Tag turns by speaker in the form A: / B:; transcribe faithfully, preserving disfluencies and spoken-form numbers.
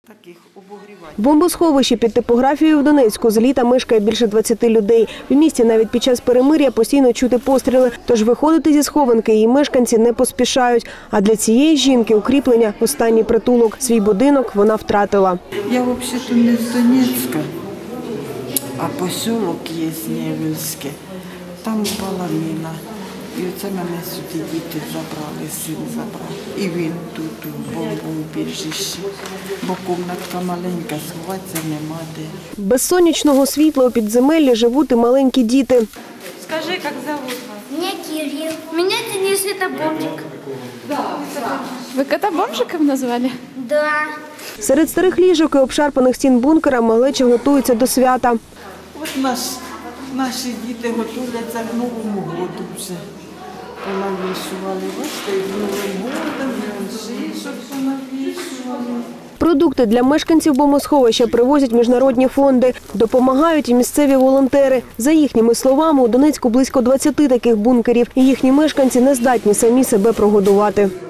A: В бомбосховищі під типографією в Донецьку з літа мешкає більше двадцяти людей. В місті навіть під час перемир'я постійно чути постріли, тож виходити зі схованки її мешканці не поспішають. А для цієї жінки укріплення – останній притулок. Свій будинок вона втратила.
B: Я взагалі-то не з Донецька, а поселок є Невельське. Там упала міна. І оце мене сюди діти забрали, син забрав. І він тут у бомбоубіжищі. Бо кімнатка маленька, сховатися нема де.
A: Без сонячного світла у підземеллі живуть і маленькі діти.
C: Скажи, як зовут вас?
D: Меня Кирилл. Меня Денис, это Бомжик.
C: Ви кота бомжиком назвали?
D: Да.
A: Серед старих ліжок і обшарпаних стін бункера малеча готується до свята.
B: От наш, наші діти готуються к Новому року вже. Понавішували. Бачите, і з Новим годом, і шишок понавішували.
A: Продукти для мешканців бомбосховища привозять міжнародні фонди. Допомагають і місцеві волонтери. За їхніми словами, у Донецьку близько двадцяти таких бункерів. І їхні мешканці не здатні самі себе прогодувати.